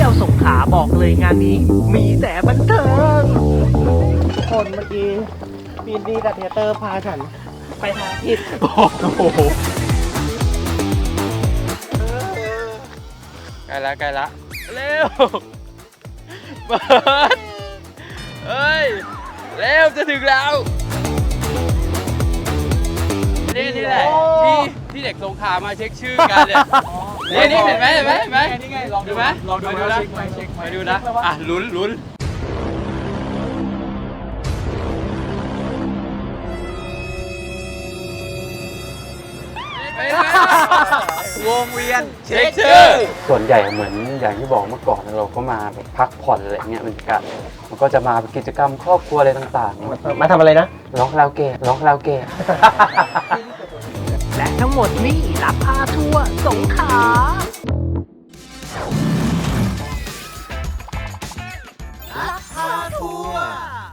ยวสงขลาบอกเลยงานนี้มีแต่บันเทิงทุกคนเมื่อกี้ปีนดีกับเทเตอร์พาฉันไปทางผิดโอ้โหใกล้ละเร็วเปิดเฮ้ยเร็วจะถึงแล้วนี่แหละที่เด็กสงขลามาเช็คชื่อกันเนี่ยนี่เห็นไหมนี่ไงลองดูไหมลองดูนะไปดูนะอ่ะลุ้นวงเวียนเช็คชื่อส่วนใหญ่เหมือนอย่างที่บอกเมื่อก่อนเราก็มาแบบพักผ่อนอะไรเงี้ยบรรยากาศมันก็จะมาเป็นกิจกรรมครอบครัวอะไรต่างๆมาทำอะไรนะร้องคาราโอเกะและทั้งหมดนี่รับพาทัวร์สงขลารับพาทัวร์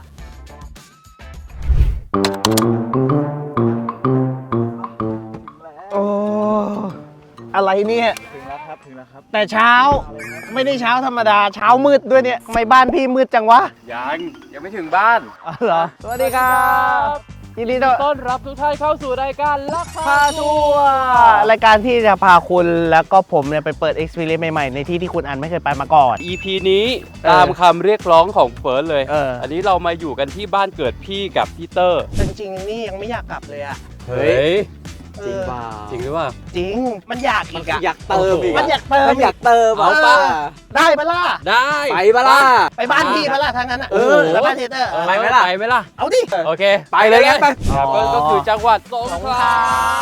โอ้อะไรเนี่ยถึงแล้วครับแต่เช้าไม่ได้เช้าธรรมดาเช้ามืดด้วยเนี่ยทำไมบ้านพี่มืดจังวะยังไม่ถึงบ้านเหรอสวัสดีครับยินดีต้อนรับทุกท่านเข้าสู่รายการลักพาทัวร์รายการที่จะพาคุณแล้วก็ผมเนี่ยไปเปิด experience ใหม่ๆในที่ที่คุณอันไม่เคยไปมาก่อน EP นี้ตามคำเรียกร้องของเฟิร์สเลยอันนี้เรามาอยู่กันที่บ้านเกิดพี่กับพี่เตอร์จริงๆนี่ยังไม่อยากกลับเลยอะเฮ้ยจริงป่ะจริงหรือเปล่าจริงมันอยากอีกอะอยากเติมอีกมันอยากเติมเอาป่ะได้ปะล่ะได้ไปปะล่ะไปบ้านพี่ปะล่ะทางนั้นอะแล้วบ้านเทเตอร์ไปไหมล่ะเอาดิโอเคไปเลยงั้นไปก็คือจังหวัดสงขลา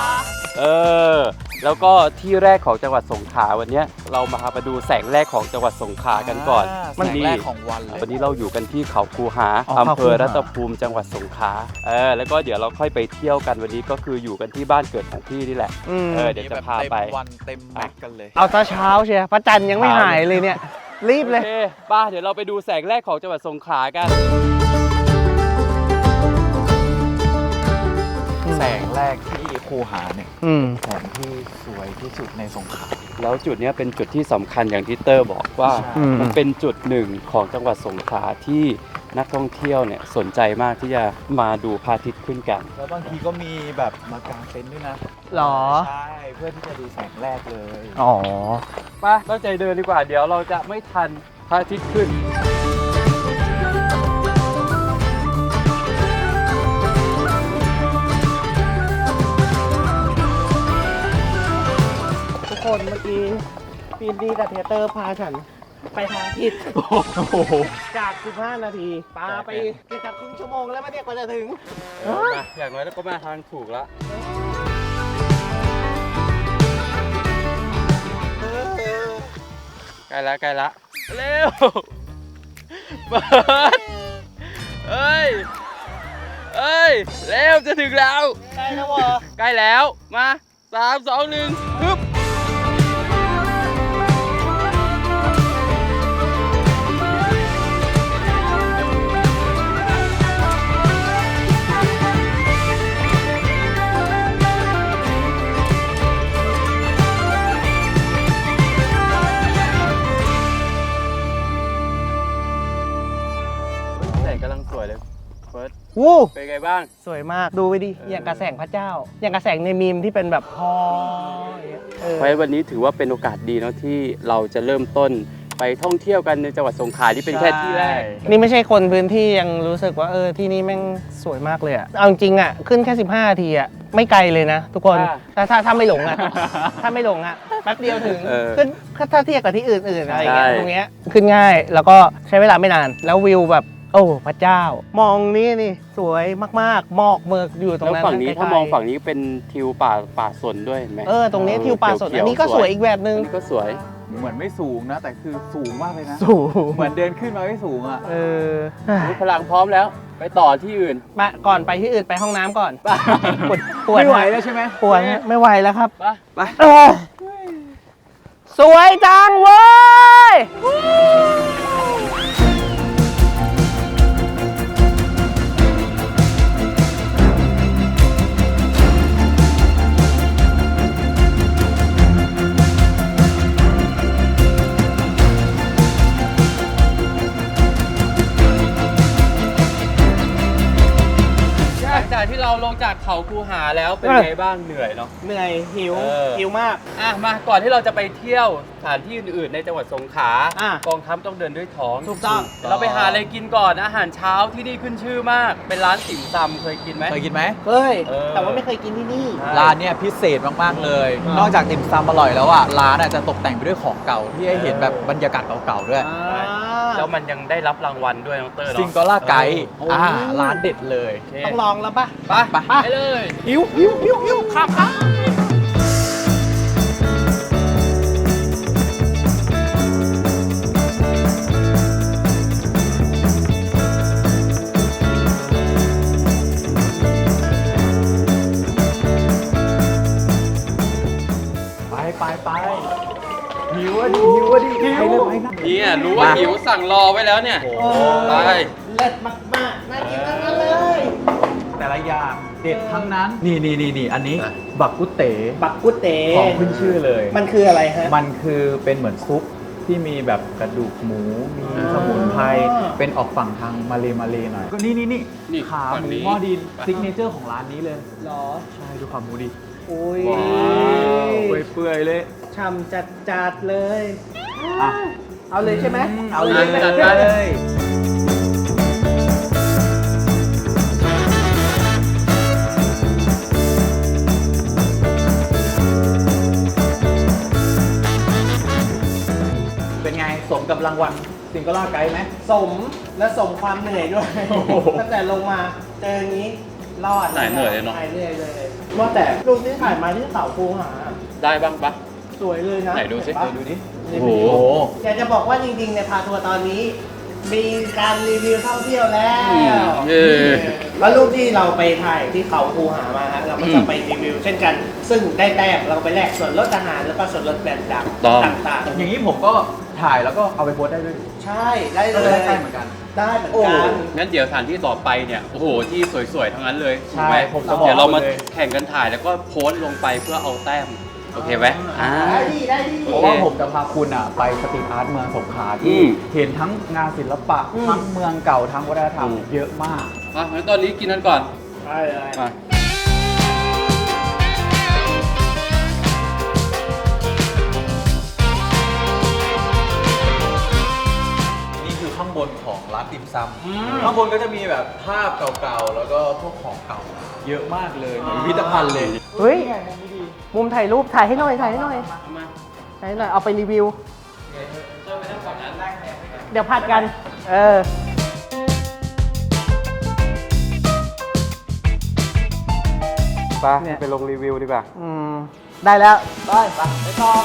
แล้วก็ที่แรกของจังหวัดสงขลาวันนี้เรามาดูแสงแรกของจังหวัดสงขลากันก่อนแสงแรกของวันเลยวันนี้เราอยู่กันที่เขาคูหาอำเภอรัตภูมิจังหวัดสงขลาแล้วก็เดี๋ยวเราค่อยไปเที่ยวกันวันนี้ก็คืออยู่กันที่บ้านเกิดของพี่นี่แหละเดี๋ยวจะพาไปวันเต็มแม็กกันเลยเอาซะเช้าเชียพระจันทร์ยังไม่หายเลยเนี่ยรีบเลยป้าเดี๋ยวเราไปดูแสงแรกของจังหวัดสงขลากันแสงแรกที่คูหาเนี่ยแสงที่สวยที่สุดในสงขลาแล้วจุดนี้เป็นจุดที่สำคัญอย่างที่เตอร์บอกว่ามันเป็นจุดหนึ่งของจังหวัดสงขลาที่นักท่องเที่ยวเนี่ยสนใจมากที่จะมาดูพระอาทิตย์ขึ้นกันแล้วบางทีก็มีแบบมากางเต็นท์ด้วยนะหรอใช่เพื่อที่จะดูแสงแรกเลยป้าตั้งใจเดินดีกว่าเดี๋ยวเราจะไม่ทันพระอาทิตย์ขึ้นคนเมื่อกี้ปีนดีกับเทเตอร์พาฉันไปทางผิดจาก15 นาทีปาไปจากครึ่งชั่วโมงแล้วมาเนี่ยกว่าจะถึงอย่างน้อยแล้วก็มาทางถูกแล้วใกล้ละเร็วเปิดเฮ้ยเร็วจะถึงแล้วใกล้แล้ววะใกล้แล้วมา3 2 1ฮึบกำลังสวยเลยเฟิร์สเป็นไงบ้างสวยมากดูไปดิอย่างกระแสงพระเจ้าอย่างกระแสงในมีมที่เป็นแบบเพราะวันนี้ถือว่าเป็นโอกาสดีเนาะที่เราจะเริ่มต้นไปท่องเที่ยวกันในจังหวัดสงขลาที่เป็นแค่ที่แรกนี่ไม่ใช่คนพื้นที่ยังรู้สึกว่าที่นี่แม่งสวยมากเลยอะเอาจริงอะขึ้นแค่15 นาทีอะไม่ไกลเลยนะทุกคนแต่ถ้าไม่หลงอะถ้าไม่หลงอะแป๊บเดียวถึงขึ้นถ้าเทียบกับที่อื่นๆอะไรอย่างเงี้ยตรงเนี้ยขึ้นง่ายแล้วก็ใช้เวลาไม่นานแล้ววิวแบบโอ้พระเจ้ามองนี่สวยมากๆหมอกเมือกอยู่ตรงนั้นแล้วฝั่งนี้ถ้ามองฝั่งนี้เป็นทิวป่าสนด้วยเห็นไหมตรงนี้ทิวป่าสนอันนี้ก็สวยอีกแบบนึงอันนี้ก็สวยเหมือนไม่สูงนะแต่คือสูงมากเลยนะสูงเหมือนเดินขึ้นมาไม่สูงอ่ะพลังพร้อมแล้วไปต่อที่อื่นมาก่อนไปที่อื่นไปห้องน้ำก่อนปวดไม่ไหวแล้วใช่ไหมปวดไม่ไหวแล้วครับไปสวยจังเว้ยเราลงจากเขาคูหาแล้วเป็นไงบ้างเหนื่อยเนาะเหนื่อยหิว หิวมากอ่ะมาก่อนที่เราจะไปเที่ยวสถานที่อื่นๆในจังหวัดสงขลาอ่ะกองทัพต้องเดินด้วยท้องถูกต้องเราไปหาอะไรกินก่อนอาหารเช้าที่นี่ขึ้นชื่อมาก เป็นร้านติ่มซำเคยกินไหมเคยกินไหมเฮ้ยเออแต่ว่าไม่เคยกินที่นี่ร้านเนี่ยพิเศษมากๆเลยอ่านนอกจากติ่มซำอร่อยแล้วอ่ะร้านอ่ะจะตกแต่งไปด้วยของเก่าที่ให้เห็นแบบบรรยากาศเก่าๆด้วยแล้วมันยังได้รับรางวัลด้วยน้องเตอร์ซิงเนาะโกล่าไกด์โอ้ร้านเด็ดเลยโอเคต้องลองแล้วปะไปเลยหิวครับ ไปหิวอ่ะดิไปเลยไปนะเนี่ยรู้ว่าหิวสั่งรอไว้แล้วเนี่ยโอ้ไปเลิศมากๆน่ากินทั้งนั้นเลยแต่ละอย่างเด็ดทั้งนั้น นี่อันนี้บักกุเต๋บักกุเตของขึ้นชื่อเลยมันคืออะไรฮะมันคือเป็นเหมือนซุปที่มีแบบกระดูกหมู มีสมุนไพร เป็นออกฝั่งทางมาเลยหน่อย ก็นี่นี่ขาฝั่งหมูนี้หม้อดินซิกเนเจอร์ของร้านนี้เลยหรอใช่ดูขาหมูดิอุ้ยเปื่อยๆเลยช่ำจัดเลยอ่ะเอาเลยใช่ไหมเอาเลยจัดไปเลยเป็นไงสมกับรางวัลซิงเกิลล่าไกด์ไหมสมและสมความเหนื่อยด้วยโอ้โหตั้งแต่ลงมาเจออย่างนี้รอดหายเหนื่อยเลยเนอะหายเหนื่อยเลยว่าแต่รูปที่ถ่ายมาที่เขาคูหาได้บ้างปะสวยเลยนะไหนดูสิเห็ปะดูดิในโอ้วิโหดีโออยากจะบอกว่าจริงๆในพาทัวร์ตอนนี้ มีการรีวิวท่องเที่ยวแล้ว แล้วรูปที่เราไปถ่ายที่เขาคูหามาฮะเราก็จะไปรีวิว เช่นกัน ซึ่งได้แต้มเราก็ไปแลกส่วนลดอาหารแล้วก็ส่วนลดแบรนด์ดังต้องต่างๆอย่างนี้ผมก็ถ่ายแล้วก็เอาไปโพสต์ได้ด้วยใช่ได้เลก็ยได้เหมือนกันได้เหมือนโอ้กันงั้นเดี๋ยวสถานที่ต่อไปเนี่ย โอ้โห ที่สวยๆ ทั้งนั้นเลยใช่ถูกไหมผมจะบอกเดี๋ยวเรามาเลยแข่งกันถ่ายแล้วก็โพสต์ลงไปเพื่อเอาแต้ม โอเคไหมอ่าได้ดีได้ดีเพราะว่าผมจะพาคุณอ่ะไปสตรีทอาร์ตเมืองสงขลาอืที่มเห็นทั้งงานศิลปะ ทั้งเมืองเก่าทั้งวัฒนธรรมอืมเยอะมากอ่ะงั้นตอนนี้กินกันก่อนได้เลยมานี่คือข้างบนของร้านติ่มซำข้างบนก็จะมีแบบภาพเก่าๆ แล้วก็พวกของเก่า เยอะมากเลยเหมือนพิพิธภัณฑ์เลยเฮ้ย มุมถ่ายรูปถ่ายให้หน่อยถ่ายให้หน่อยเอามาถ่ายให้หน่อยเอาไปรีวิวเติมไปทั้งฝั่งนั้นเดี๋ยวผัดกัน เออไปไปลงรีวิวดีกว่าได้แล้ว ไปต่อ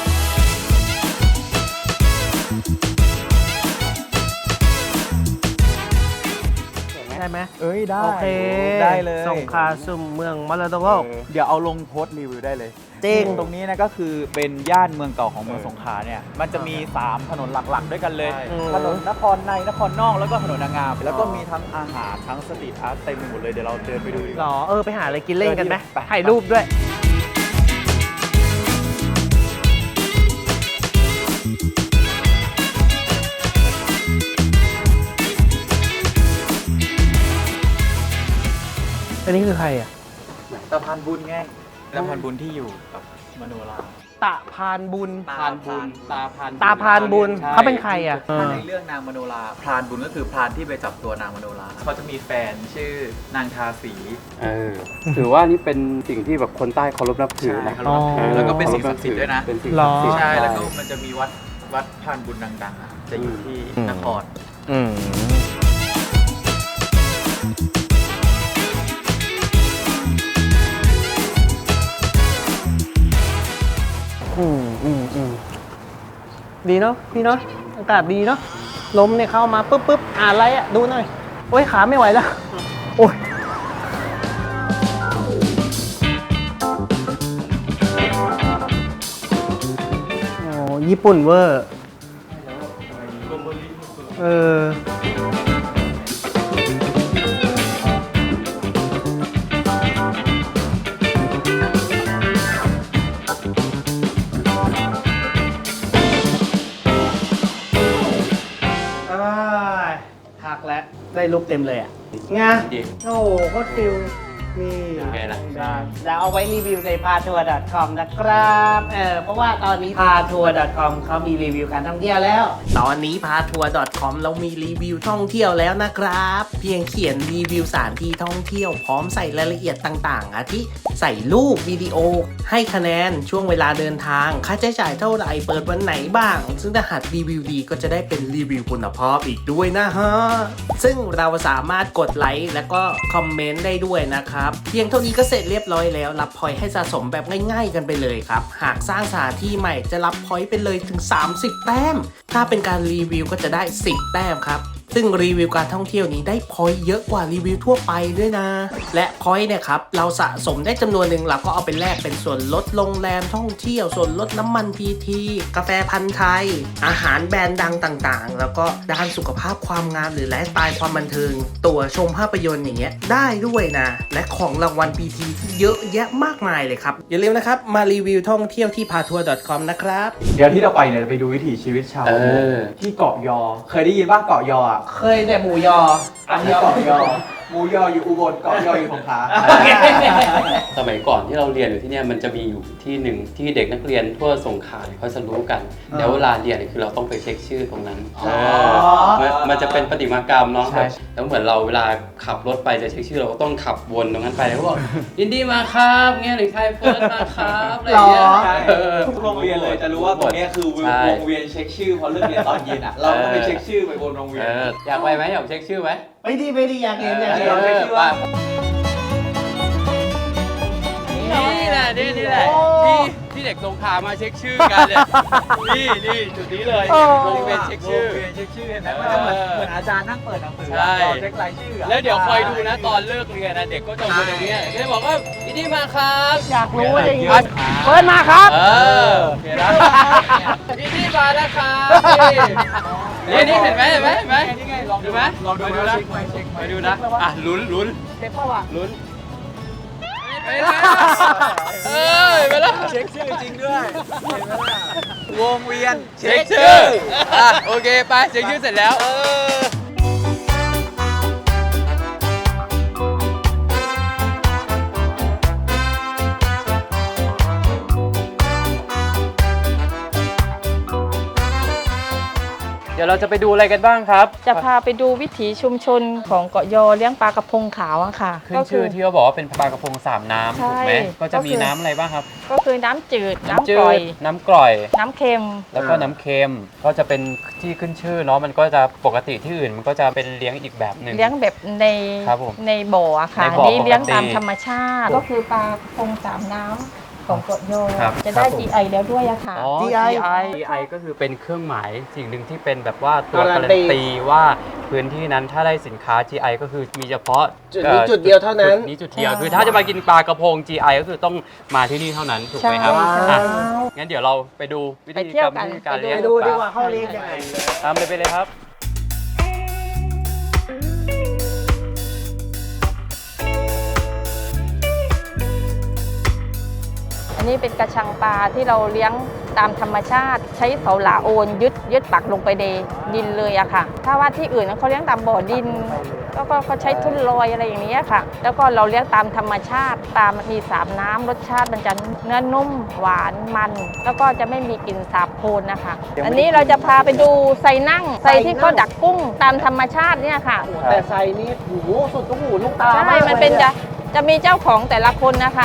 ได้ไหมเอ้ยได้โอเคได้เลยสงขลาสุ่มเมืองมรดกโลกเดี๋ยวเอาลงโพสต์รีวิวได้เลยจริงตรงนี้นะก็คือเป็นย่านเมืองเก่าของเมืองสงขลาเนี่ย มันจะมี 3 ถนนหลักๆ ด้วยกันเลย ถนนนครในนครนอกแล้วก็ถนนนางงาม แล้วก็มีทั้งอาหารทั้งสตรีทอาร์ตเต็มไปหมดเลย เดี๋ยวเราเดินไปดูดีกหรว่าอ ไปหาอะไรกินเล่นกันไหมไปถ่ายรูปด้วย อันนี้คือใครอ่ะตะพานบุญไงตะพานบุญที่อยู่กับมโนราตะพานบุญพานบุญตาพานตาพานบุญใช่เขาเป็นใครอ่ะถ้าในเรื่องนางมโนราพรานบุญก็คือพรานที่ไปจับตัวนางมโนราเขาจะมีแฟนชื่อนางทาสีถือว่านี่เป็นสิ่งที่แบบคนใต้เคารพนับถือนะใช่แล้วก็เป็นสิ่งศักดิ์สิทธิ์ด้วยนะเป็นสิ่งศักดิ์สิทธิ์ใช่แล้วก็มันจะมีวัดพรานบุญดังๆอ่ะจะอยู่ที่นครอืม ดีเนาะพี่เนาะอากาศดีเนาะลมเนี่ยเข้ามาปุ๊บอ่านอะไรอ่ะ ดูหน่อย โอ้ย ขาไม่ไหวแล้ว โอ้ย โอ้ญี่ปุ่นเวอร์ เออ พักแล้ว ได้รูปเต็มเลยอ่ะไงดีโอ้โหโคตรฟิลนี่ยังไงล่ะแล้วเอาไว้รีวิวใน patour.com นะครับเพราะว่าตอนนี้ patour.com เขามีรีวิวการท่องเที่ยวแล้ว ตอนนี้ patour.com เรามีรีวิวท่องเที่ยวแล้วนะครับ เพียงเขียนรีวิวสถานที่ท่องเที่ยวพร้อมใส่รายละเอียดต่างๆอาทิใส่รูปวิดีโอ ให้คะแนนช่วงเวลาเดินทาง ค่าใช้จ่ายเท่าไหร่เปิดวันไหนบ้าง ซึ่งถ้าหากรีวิวดีก็จะได้เป็นรีวิวคุณภาพอีกด้วยนะฮะ ซึ่งเราสามารถกดไลค์และก็คอมเมนต์ได้ด้วยนะครับ เพียงเท่านี้ก็เสร็จเรียบร้อยแล้ว รับพอยต์ให้สะสมแบบง่ายๆกันไปเลยครับ หากสร้างสถานที่ใหม่จะรับพอยต์ไปเลยถึง 30 แต้ม ถ้าเป็นการรีวิวก็จะได้ 10 แต้มครับ ซึ่งรีวิวการท่องเที่ยวนี้ได้พอยต์เยอะกว่ารีวิวทั่วไปด้วยนะ และพอยต์เนี่ยครับเราสะสมได้จำนวนหนึ่งเราก็เอาไปแลกเป็นส่วนลดโรงแรมท่องเที่ยวส่วนลดน้ำมันพีทีกาแฟพันธุ์ไทย อาหารแบรนด์ดังต่างๆ แล้วก็ด้านสุขภาพความงามหรือไลฟ์สไตล์ความบันเทิงตั๋วชมภาพยนตร์อย่างเงี้ยได้ด้วยนะและของรางวัลพีทีที่เยอะแยะมากมายเลยครับอย่าลืมนะครับมารีวิวท่องเที่ยวที่ patour.com นะครับเดี๋ยวที่เราไปเนี่ยจะไปดูวิถีชีวิตชาวประมงที่เกาะยอ เคยได้ยินว่าเกาะยออ่ะเคยแต่หมูยออันนี้เกาะยอหมูยออยู่อุบลเกาะยออยู่สงขลาสมัยก่อนที่เราเรียนอยู่ที่เนี่ยมันจะมีอยู่ที่หนึ่งที่เด็กนักเรียนทั่วสงขลาเนี่ยเขาจะรู้กันแล้วเวลาเรียนเนี่ยคือเราต้องไปเช็คชื่อตรงนั้นมันจะเป็นประติมากรรมเนาะแล้วเหมือนเราเวลาขับรถไปจะเช็คชื่อเราก็ต้องขับวนตรงนั้นไปแล้วก็บอกยินดีมาครับเงี้ยหรือไทยเฟิร์สมาครับอะไรอย่างเงี้ยทุกโรงเรียนเลยจะรู้ว่าตรงนี้คือวงเวียนเช็คชื่อพอเลิกเรียนตอนเย็นอ่ะเราก็ไปเช็คชื่อไปบนโรงเรียนอยากไปไหมอยากเช็คชื่อไหมไม่ดีอยากเห็นอยากเห็นนี่แหละที่เด็กสงขลามาเช็คชื่อกันเนี่ยนี่จุดนี้เลยโรงเรียนเช็คชื่อเช็คชื่อเห็นไหมมันจะเหมือนอาจารย์นั่งเปิดหนังสือใช่เช็ครายชื่อแล้วเดี๋ยวคอยดูนะตอนเลิกเรียนนะเด็กก็จะวนตรงนี้ก็จะบอกว่ายินดีมาครับอยากรู้ว่าอย่างนี้เปิดมาครับโอเคนะยินดีมานะครับนี่เห็นไหมนี่ไงลองดูไหมลองดูนะไปดูนะอ่ะลุ้นเช็คเปล่าวะลุ้นไปแล้วเช็คชื่อจริงด้วยเห็นไหมล่ะวงเวียนเช็คชื่อโอเคไปเช็คชื่อเสร็จแล้วเดี๋ยวเราจะไปดูอะไรกันบ้างครับจะพาไปดูวิถีชุมชนของเกาะยอเลี้ยงปลากระพงขาวอะค่ะขึ้นชื่อที่เขาบอกว่าเป็นปลากระพงสามน้ำใช่ถูกไหมก็จะมีก็คือน้ำอะไรบ้างครับก็คือน้ำจืด น้ำจืกร่อยดน้ำกร่อยน้ำเค็มแล้วก็น้ำเค็มก็จะเป็นที่ขึ้นชื่อเนาะมันก็จะปกติที่อื่นมันก็จะเป็นเลี้ยงอีกแบบหนึ่งเลี้ยงแบบในครับผมในบ่ออะค่ะในบ่อนี่เลี้ยงปกติตามธรรมชาติ ก็คือปลากระพงสามน้ำของเกาะยอครับจะได้ครับผม GI แล้วด้วยอะค่ะอ๋อ GI ก็คือเป็นเครื่องหมายสิ่งหนึ่งที่เป็นแบบว่าตัวการักาน รัตีนตีว่าพื้นที่นั้นถ้าได้สินค้า GI ก็คือมีเฉพาะจุดนี้จุดเดียวเท่านั้นจุดนี้จุดเดียวคือถ้าจะมากินปลากระพง GI ก็คือต้องมาที่นี่เท่านั้นถูกไหมครับใช่อ่ะงั้นเดี๋ยวเราไปดูวิธีไปเที่กรยรวมกันวิธีการไปดูเลี้ยงไปดูปดีลากว่าเขาเรียกยังไงตามเลยไปเลยครับอันนี้เป็นกระชังปลาที่เราเลี้ยงตามธรรมชาติ ใช้เสาหลาโอนยึดปักลงไปในดินเลยอะค่ะ ถ้าว่าที่อื่นเขาเลี้ยงตามบ่อดินแล้วก็เขาใช้ทุ่นลอยอะไรอย่างนี้ค่ะ แล้วก็เราเลี้ยงตามธรรมชาติปลามันมีสามน้ำรสชาติมันจะเนื้อนุ่มหวานมัน แล้วก็จะไม่มีกลิ่นสาบโคลนนะคะ อันนี้เราจะพาไปดูไซนั่งไซที่เขาดักกุ้งตามธรรมชาติเนี่ยค่ะแต่ไซนี่โอ้โหสุดลูกหูลูกตาใช่ากมันเป็นลยจะมีเจ้าของแต่ละคนนะคะ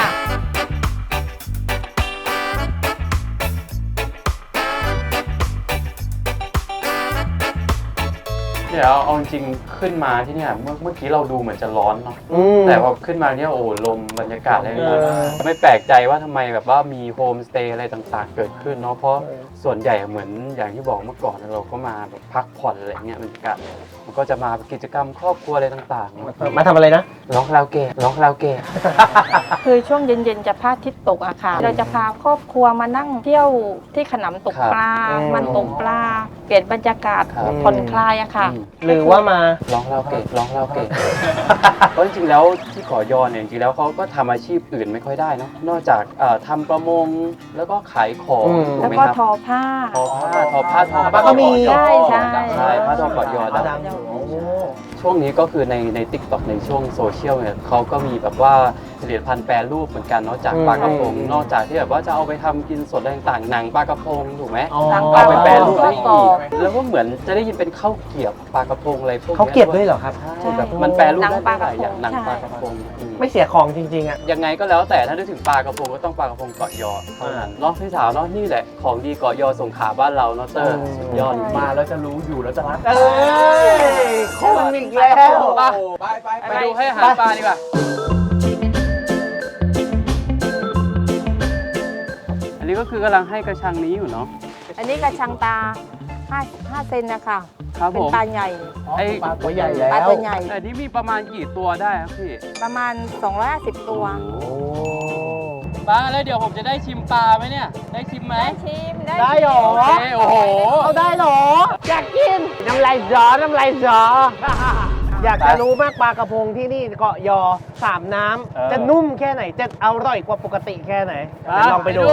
เดี๋ยวเอาจริงๆขึ้นมาที่เนี่ยเมื่อกี้เราดูเหมือนจะร้อนเนาะ แต่พอขึ้นมาเนี่ยโอ้โหลมบรรยากาศอะไรไม่แปลกใจว่าทำไมแบบว่ามีโฮมสเตย์อะไรต่างๆ เกิดขึ้นเนาะเพราะส่วนใหญ่เหมือนอย่างที่บอกเมื่อก่อนเราก็มาแบบพักผ่อนอะไรเงี้ยบรรยากาศมันก็จะมากิจกรรมครอบครัวอะไรต่างๆมาทำอะไรนะร้องคาราโอเกะร้องคาราโอเกะคือช่วงเย็นๆจะพระอาทิตย์ตกอะค่ะ เราจะพาครอบครัวมานั่งเที่ยวที่ขนำตกปลา มันตกปลา เปลี่ยนบรรยากาศผ่อนคลายอะค่ะหรือว่ามาร้องคาราโอเกะร้องคาราโอเกะ เพราะจริงๆแล้วที่เกาะยอเนี่ยจริงๆแล้วเขาก็ทำอาชีพอื่นไม่ค่อยได้เนาะนอกจากทำประมงแล้วก็ขายของถูกแล้วไหมก็ครับทอผ้าทอผ้าก็มีใช่ใช่ผ้าทอเกาะยอผ้าดังดำโอ้ช่วงนี้ก็คือใน TikTok ในช่วงโซเชียลเนี่ยเขาก็มีแบบว่าผลิตภัณฑ์แปรรูปเหมือนกันเนาะจากปลากระพงนอกจากที่แบบว่าจะเอาไปทำกินสดอะไรต่างๆหนังปลากระพงถูกไหมอ๋อเอาไปแปรรูปได้อีกแล้วก็เหมือนจะได้ยินเป็นข้าวเกรี๊ยวปลากระพงอะไรพวกนี้เขาเก็บด้วยเหรอครับใช่แบบมันแปรรูปได้หลายอย่างหนังปลากระพงไม่เสียของจริงๆอ่ะยังไงก็แล้วแต่ถ้านึกถึงปลากระพงก็ต้องปลากระพงเกาะยอเท่านั้นเนาะพี่สาวเนาะนี่แหละของดีเกาะยอสงขลาบ้านเราเนาะเตอร์สุดยอดมาแล้วจะรู้อยู่แล้วจะรักเอ้ยคนอีกแล้วไปดูให้อาหารปลาดีกว่าอันนี้ก็คือกำลังให้กระชังนี้อยู่เนาะอันนี้กระชังตา5เซนนะคะครับเป็ผนมปลาใหญ่ไอ้ปลาตัวใหญ่แล้วปลาตัวใหญ่แต่นี่มีประมาณกี่ตัวได้ครับพี่ประมาณ250ตัวโอ้ปลาแล้วเดี๋ยวผมจะได้ชิมปลาไหมเนี่ยได้ชิมไหมได้ชิมได้หรอโอเคโอ้โหเอาได้หรอ อยากกิน น้ำลายย้อน้ำลายย้ออยากจะรู้มากปลากระพงที่นี่เกาะยอสามน้ำจะนุ่มแค่ไหน จะอร่อยกว่าปกติแค่ไหนเดี๋ยวลองไปดู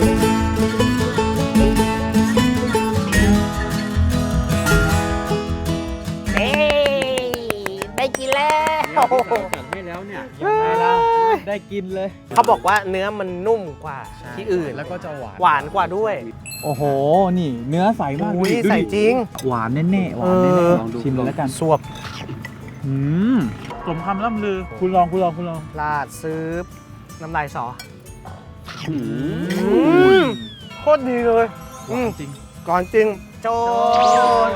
เอ้ได้กินแล้วให้แล้วเนี่ยยังไงล่ะได้กินเลยเขาบอกว่าเนื้อมันนุ่มกว่าที่อื่นแล้วก็จะหวานหวานกว่าด้วยโอ้โห นี่เนื้อใสมากอุ้ยดูดิใส่จริงหวานแน่ๆหวานแน่เออๆลองดูชิมเลยแล้วกันสวบอืมสมคำล่ำลือ คุณลองลาดซื้อน้ำลายสออืมโคตรดีเลยหวานจริงก่อนจริง โจน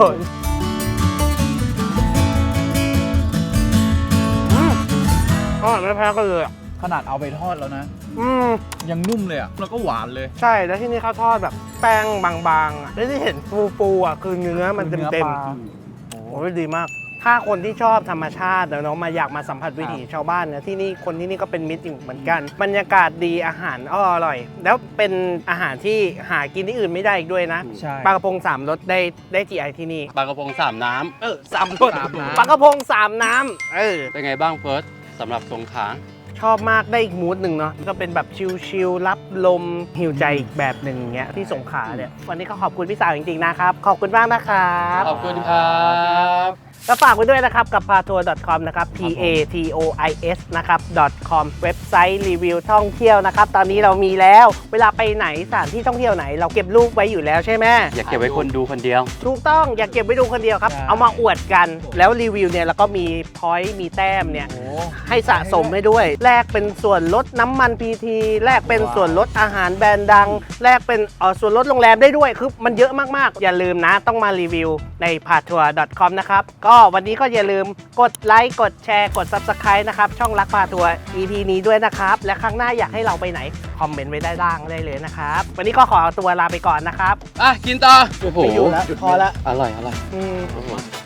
อร่อยไม่แพ้กันเลยอ่ะขนาดเอาไปทอดแล้วนะ ยังนุ่มเลยอ่ะ แล้วก็หวานเลยใช่แล้วที่นี่เขาทอดแบบแป้งบางๆอ่ะแล้วที่เห็นฟูๆอ่ะคือเนื้อมันเต็มๆ โอ้ยดีมาก ถ้าคนที่ชอบธรรมชาติแล้วเนาะมาอยากมาสัมผัสวิถีชาวบ้านเนี่ยที่นี่คนที่นี่ก็เป็นมิตรอีกเหมือนกัน บรรยากาศดีอาหารอร่อย แล้วเป็นอาหารที่หากินที่อื่นไม่ได้อีกด้วยนะใช่ปลากระพง3 รสได้ GI ที่นี่ปลากระพงสามน้ 3 รสสามน้ำปลากระพง3 น้ำำเป็นไงบ้างเฟิร์สสำหรับสงขลาชอบมากได้อีกมูดหนึ่งเนาะก็เป็นแบบชิลๆรับลมหิวใจอีกแบบหนึ่งอย่างเงี้ยที่สงขลาเนี่ยวันนี้ก็ขอบคุณพี่สาวจริงๆนะครับขอบคุณมากนะครับขอบคุณครับก็ฝากไว้ด้วยนะครับกับ patour.com นะครับ PATOIS นะครับ .com เว็บไซต์รีวิวท่องเที่ยวนะครับตอนนี้เรามีแล้วเวลาไปไหนสถานที่ท่องเที่ยวไหนเราเก็บรูปไว้อยู่แล้วใช่ไหมอยากเก็บไว้คนดูคนเดียวถูกต้องอย่าเก็บไว้ดูคนเดียวครับใช่เอามาอวดกันแล้วรีวิวเนี่ยแล้วก็มีพอยต์มีแต้มเนี่ยโอ้ให้สะสมให้ด้วย แลกเป็นส่วนลดน้ำมันพีทีแลกเป็นส่วนลดอาหารแบรนด์ดัง แลกเป็นส่วนลดโรงแรมได้ด้วยคือมันเยอะมากๆ อย่าลืมนะต้องมารีวิวใน patour.com นะครับก็วันนี้ก็อย่าลืมกดไลค์กดแชร์กด Subscribe นะครับช่องรักพาทัวร์ EP นี้ด้วยนะครับและครั้งหน้าอยากให้เราไปไหนคอมเมนต์ไว้ได้ล่างได้เลยนะครับวันนี้ก็ขอตัวลาไปก่อนนะครับอ่ะ กินต่อ โอ้โหไม่อยู่แล้วพอละอร่อย อร่อยอืมโอ้โห